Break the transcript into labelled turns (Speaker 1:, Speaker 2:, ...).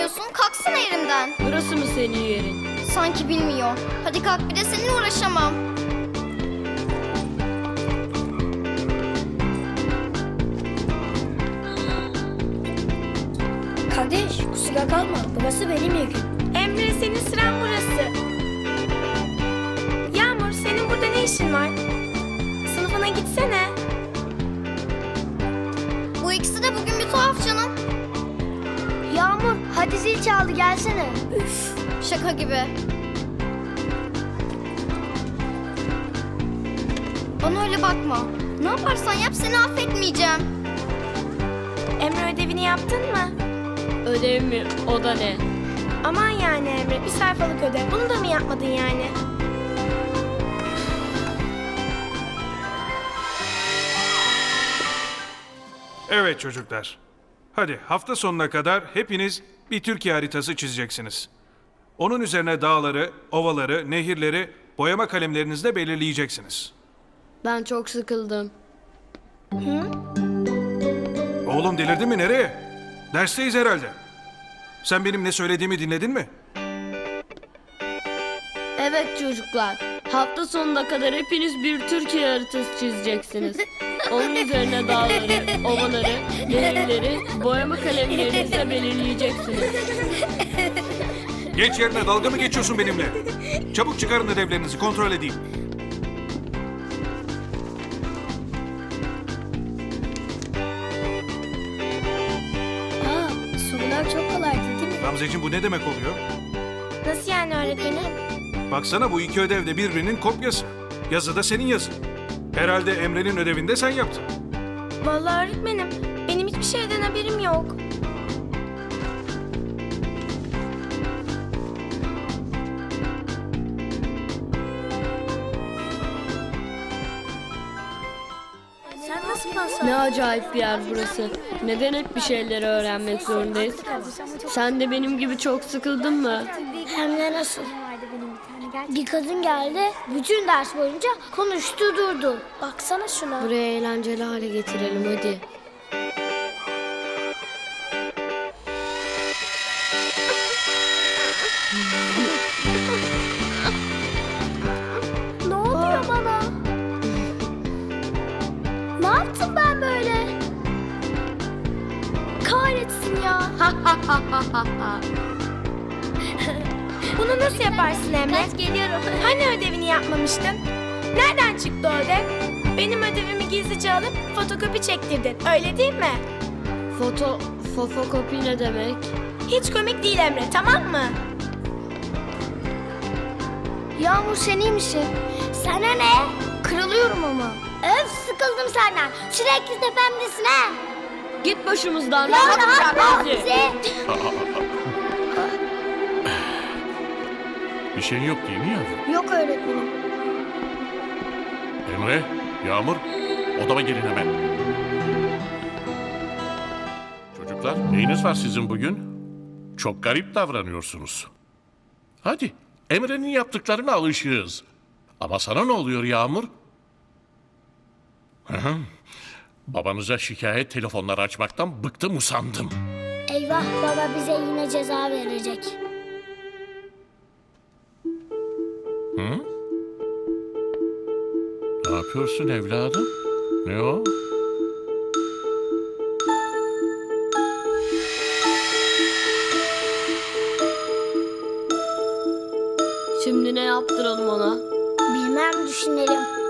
Speaker 1: kalkmıyorsun? Kalksana yerinden.
Speaker 2: Burası mı senin yerin?
Speaker 1: Sanki bilmiyor. Hadi kalk, bir de seninle uğraşamam.
Speaker 3: Kardeş kusura kalma. Burası benim yerim.
Speaker 4: Emre, senin sıran burası. Yağmur, senin burada ne işin var? Sınıfına gitsene.
Speaker 1: Bu ikisi de bugün bir tuhaf canım.
Speaker 3: Yağmur hadi zil çaldı gelsene. Üf.
Speaker 1: Şaka gibi. Bana öyle bakma. Ne yaparsan yap, seni affetmeyeceğim.
Speaker 4: Emre, ödevini yaptın mı?
Speaker 2: Ödev mi? O da ne?
Speaker 4: Aman yani Emre, bir sayfalık ödev. Bunu da mı yapmadın yani?
Speaker 5: Evet çocuklar. Hadi hafta sonuna kadar hepiniz bir Türkiye haritası çizeceksiniz. Onun üzerine dağları, ovaları, nehirleri boyama kalemlerinizle belirleyeceksiniz.
Speaker 2: Ben çok sıkıldım.
Speaker 5: Oğlum delirdin mi, nereye? Dersteyiz herhalde. Sen benim ne söylediğimi dinledin mi?
Speaker 2: Evet çocuklar. Hafta sonuna kadar hepiniz bir Türkiye haritası çizeceksiniz. Onun üzerine dağları, ovaları, nehirleri boyama kalemlerinizle belirleyeceksiniz.
Speaker 5: Geç yerine, dalga mı geçiyorsun benimle? Çabuk çıkarın ödevlerinizi, kontrol edeyim.
Speaker 3: Sorular çok kolaydı değil mi?
Speaker 5: Gamzeciğim, bu ne demek oluyor?
Speaker 4: Nasıl yani öğretmenim?
Speaker 5: Baksana, bu iki ödev de birbirinin kopyası. Yazı da senin yazın. Herhalde Emre'nin ödevini de sen yaptın.
Speaker 4: Vallahi öğretmenim, benim hiçbir şeyden haberim yok.
Speaker 3: Sen nasıl pas
Speaker 2: Ne acayip bir yer burası. Neden hep bir şeyleri öğrenmek zorundayız? Sen de benim gibi çok sıkıldın mı?
Speaker 3: Hem de nasıl? Bir kadın geldi, bütün ders boyunca konuştu durdu. Baksana şuna.
Speaker 2: Buraya eğlenceli hale getirelim hadi.
Speaker 3: Ne oluyor bana? Ne yaptım ben böyle? Kahretsin ya.
Speaker 4: Bunu nasıl yaparsın Emre?
Speaker 3: Geliyorum.
Speaker 4: Hani ödevini yapmamıştın? Nereden çıktı o ödev? Benim ödevimi gizlice alıp fotokopi çektirdin, öyle değil mi?
Speaker 2: Fotokopi ne demek?
Speaker 4: Hiç komik değil Emre, tamam mı?
Speaker 3: Yağmur sen iyi misin? Sana ne? Kırılıyorum ama. Öf sıkıldım senden. Sürekli tepemdesin ha.
Speaker 2: Git başımızdan.
Speaker 3: Ya
Speaker 2: rahat
Speaker 3: rahat
Speaker 2: bırak
Speaker 3: ol
Speaker 2: bizi.
Speaker 3: bizi.
Speaker 6: Bir şeyin yok değil mi yavrum?
Speaker 3: Yok öğretmenim.
Speaker 6: Emre, Yağmur, odama gelin hemen. Çocuklar, neyiniz var sizin bugün? Çok garip davranıyorsunuz. Hadi, Emre'nin yaptıklarına alışığız. Ama sana ne oluyor Yağmur? Hı hı. Babanıza şikayet telefonları açmaktan bıktım usandım.
Speaker 3: Eyvah baba bize yine ceza verecek.
Speaker 6: Ne yapıyorsun evladım? Ne o?
Speaker 2: Şimdi ne yaptıralım ona?
Speaker 3: Bilmem düşünelim.